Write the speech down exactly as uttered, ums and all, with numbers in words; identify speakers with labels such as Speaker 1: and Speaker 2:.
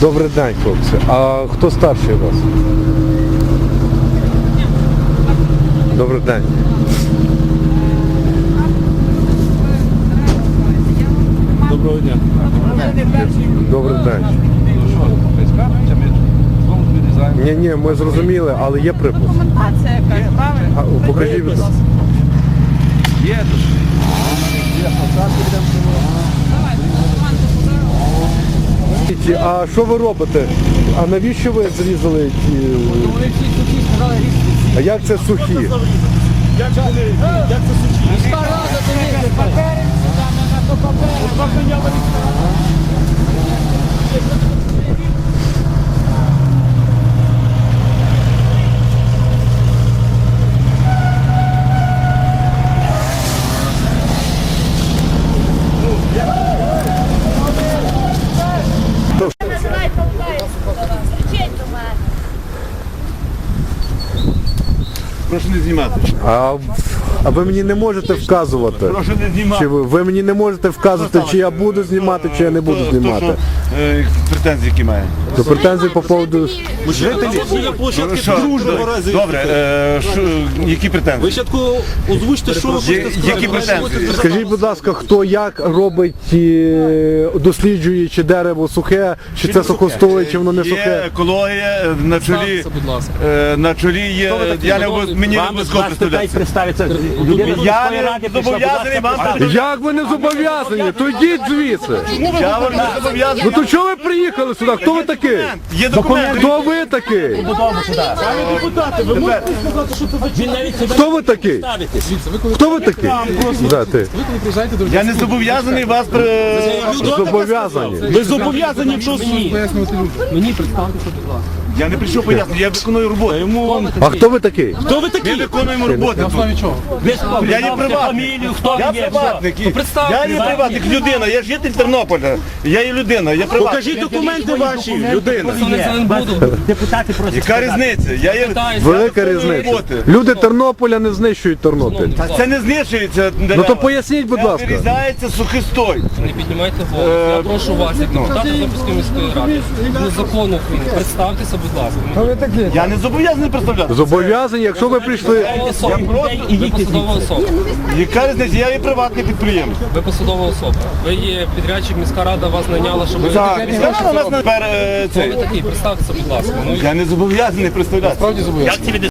Speaker 1: Добрий день, хлопці. А хто старший у вас? Добрий день.
Speaker 2: Доброго дня.
Speaker 1: Добрий день.
Speaker 2: Ну що, скажете, ми знову вирізаємо.
Speaker 1: Ні, ні, ми зрозуміли, але є припис.
Speaker 3: Документація якась, правильно?
Speaker 1: А, покажіть, будь ласка.
Speaker 2: Є тут. Є посадки, йдемо до
Speaker 1: А що ви робите? А навіщо ви зрізали ті?
Speaker 4: Вони всі сухі сказали різні.
Speaker 1: А як це сухі?
Speaker 4: Як це сухі? Міська рада дивіться, папери, на то папери.
Speaker 2: Прошу не знімати.
Speaker 1: А, а ви мені не можете вказувати?
Speaker 2: Прошу не знімати.
Speaker 1: Чи ви, ви мені не можете вказувати, чи я буду знімати, чи я не буду
Speaker 2: Хто-
Speaker 1: знімати?
Speaker 2: Хто, що, е, претензії які має?
Speaker 1: То претензії по поводу...
Speaker 2: Жителі? Що? Добре, е, що, які претензії?
Speaker 5: Ви спочатку озвучте, що ви
Speaker 2: Є-
Speaker 5: хочете
Speaker 2: Які претензії?
Speaker 1: Скажіть, будь ласка, хто як робить, е, досліджує, чи дерево сухе, чи це сухостоє, чи воно не
Speaker 2: Є
Speaker 1: сухе?
Speaker 2: екологія е, на чолі,
Speaker 5: Представтеся, будь ласка.
Speaker 2: е, на чолі є, я не обов'яз- мені не обов'язково представлятися.
Speaker 4: представиться.
Speaker 2: Я не зобов'язаний вам представляти.
Speaker 1: Як ви не зобов'язані? То йдіть звідси.
Speaker 2: Я вам не зобов'язаний.
Speaker 1: Ну то чого ви приїхали сюди? Хто ви такий?
Speaker 2: Є документи.
Speaker 1: Хто ви такий?
Speaker 2: Тепер,
Speaker 4: Він навіть себе
Speaker 1: Хто ви такий?
Speaker 4: ставитесь.
Speaker 1: Хто ви такий? Да, ти.
Speaker 2: я не зобов'язаний вас при...
Speaker 1: Зобов'язані.
Speaker 2: Ви зобов'язані, якщо...
Speaker 4: Мені представте, що будь ласка.
Speaker 2: Я не прийшов пояснити, я виконую роботу. Йому...
Speaker 1: А хто ви такий?
Speaker 2: Хто ви такі? Ми виконуємо роботу.
Speaker 4: Ви хто?
Speaker 2: Я є
Speaker 4: Представте
Speaker 2: приватник.
Speaker 4: фамілію, хто
Speaker 2: Я
Speaker 4: ви є.
Speaker 2: приватник.
Speaker 4: Ну, представте.
Speaker 2: Я є приватник, людина, я житель Тернополя. Я є людина, я приватник.
Speaker 5: Покажіть документи ваші, людина.
Speaker 4: Депутати просять.
Speaker 2: Яка різниця? Я є...
Speaker 1: Велика різниця.
Speaker 2: роботи.
Speaker 1: Люди Тернополя не знищують Тернопіль.
Speaker 2: Та це не знищується.
Speaker 1: Ну то поясніть, будь ласка.
Speaker 2: Вирізається сухостой.
Speaker 6: Не піднімайте голос. Я прошу вас, як депутата Тернопільської міської ради, ну закону України, представтеся, будь ласка.
Speaker 2: Я не зобов'язаний представляти.
Speaker 1: Зобов'язані, якщо ви прийшли.
Speaker 6: Ви особа. Ви посадова особа.
Speaker 2: Яка різниця? Я є приватний підприємець.
Speaker 6: Ви посадова особа. Ви є підрядчик, міська рада вас найняла, щоб ви...
Speaker 2: Так, міська рада нас тепер е,
Speaker 6: Хто ви
Speaker 2: цей.
Speaker 6: такий? Представтеся, будь ласка. Ну,
Speaker 2: Я не зобов'язаний представляти.
Speaker 6: як це